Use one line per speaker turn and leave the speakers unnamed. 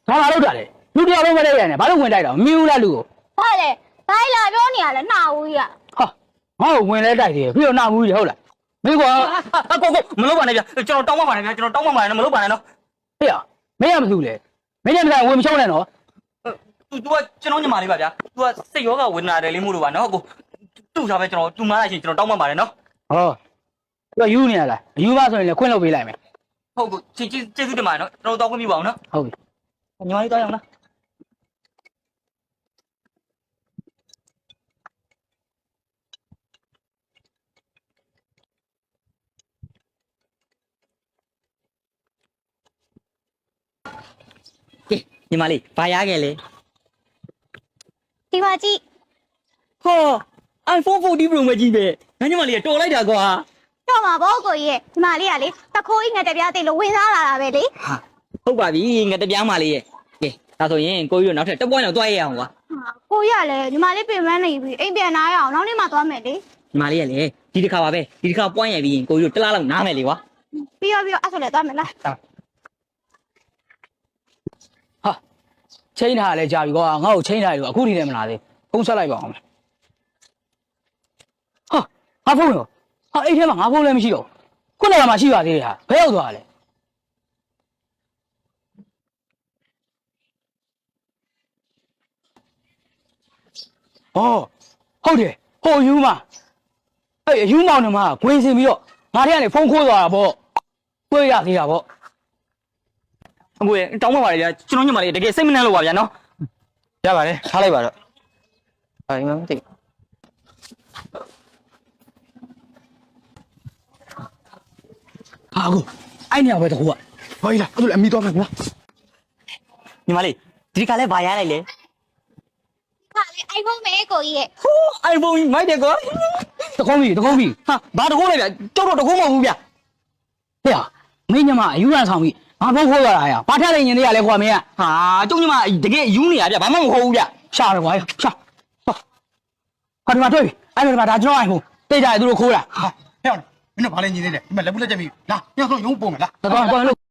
ဘာလုပ်တာလဲလူတယောက်လုံးမလိုက်ရနဲ့ဘာလို့ဝင်တိုက်တာမမြင်ဘူးလားလူကို
ဘာလဲဘာလာပြောနေရလဲနှာဦးကြီးက
ဟာငါ့ကိုဝင်လဲတိုက်တယ်ပြီးတော့နှာမူးကြီးဟုတ်လားမင်းကွာ
ကိုမလုပ်ပါနဲ့ဗျကျွန်တော်တောင်းပါပါနဲ့ဗျကျွန်တော်တောင်းပါပါနဲ့မလုပ်ပါနဲ့နော်
ဟေ့ရမင်းရမသူလဲမင်းညမဝင်မချုံးနဲ့နော်
तू ကကျွန်တော်ညီမလေးပါဗျာ तू ကစိတ်ယောဂဝေဒနာတယ်လေးမို့လို့ပါနော်ကိုတူထားပဲကျွန်တော်တူမားလိုက်ရှင်ကျွန်တော်တောင်းပါပါတယ်နော်
ဟောသူကယူနေရလားအယူပါဆိုရင်လည်းခွင့်လုပ်ပေးလိုက်မယ်
ဟုတ်ကိုကျေးဇူးတင်ပါတယ်နော်ကျွန်တော်တောင်းခွင့်ပြုပါအောင်နော်
ဟုတ်ပြီ
ညီမလေးတောင်းရအောင်လားကဲညီမလေးဘာရခဲ့လဲ
ဒီမှာကြည့်
ဟော iPhone 14 Pro မကြီးပဲငါညီမလေးတော်လိုက်တာကွာ
တော့မှာဘောကိုကြီးရဲ့ဒီမှာလေးကလေတခိုးကြီးငါတပြားသိလို့ဝင်စားလာတာပဲလေ
ဟာဟုတ်ပါပြီငါတပြားမလေးရဲ့ကဲဒါဆိုရင်ကိုကြီးတို့နောက်ထပ်တစ်ပွိုင်းတော့တွားရအောင်ကွာ
ကိုကြီးကလည်းဒီမှာလေးပြင်ပန်းနေပြီအိမ်ပြန်လာရအောင်နောက်နေ့မှသွားမယ်လေ
ညီမလေးကလည်းဒီတစ်ခါပါပဲဒီတစ်ခါပွိုင်းရပြီးရင်ကိုကြီးတို့တစ်လားလောက်နားမယ်လေကွာ
ပြီးတော့အဲ့ဆိုလည်းသွားမယ်လား
ဟာချိန်ထားလဲကြာပြီကွာငါ့ကိုချိန်ထားတယ်အခုထိလည်းမလာသေးဖုန်းဆက်လိုက်ပါအောင်ဟာငါဖုန်းရောဟာအဲ့ထဲမှာငါဖုန်းလည်းမရှိတော့ခုနကမှရှိပါသေးတယ်ဟာဘယ်ရောက်သွားလဲဩဟုတ်တယ်ဟိုယူမအဲ့ယူမောင်နှမကခွေးစင်ပြီးတော့ငါထဲကနေဖုန်းခိုးသွားတာပေါ့တွေ့ရသေးတာပေါ့
အကိုရဲ့တောင်းပါပါလေဗျာကျွန်တော်ညီမလေးတကယ်စိတ်မနှံ့လို့ပါဗျာနော်
ရပါတယ်ထားလိုက်ပါတော့ဟာဒီမှာမသိဟာကိုအဲ့နေရာပဲတခုကဟောကြီးလားအဲ့ဒါလည်းအမိသွားမယ်ကွာ
ညီမလေးဒီတစ်ခါလဲဘာရလိုက်လဲ
ဟာလေ iPhone မဲကိုကြီးရဲ့
ဟိုး iPhone မိုက်တယ်ကွာ
တကုံးပြီ
ဟာဘာတကုန်းလဲဗျာကြောက်တော့တကုန်းမဟုတ်ဘူးဗျာ
ဟဲ့ဟာမင်းညမအယူရန်ဆောင်ပြီငါဖုန်းခိုးသွားတာဟဲ့ဘာထက်လိုက်ညင်သေးရလဲကွာမင်းက
ဟာကျုံညီမတကယ်ယူနေရဗျာဘာမှမဟုတ်ဘူးဗျာ
ရှာတယ်ကွာရှာဟာဒီမှာတွေ့ပြီအဲ့ဒီမှာဒါကျွန်တော်အိုင်ဖုန်းတိတ်ကြရသူတို့ခိုးတာ
ဟဲ့မင်းတို့ဘာလဲညီနေလဲဒီမှာလက်ဘူးလက်ချက်မိလားညောင်ဆုံးရုံးပုံမလား
တော်တော်လို့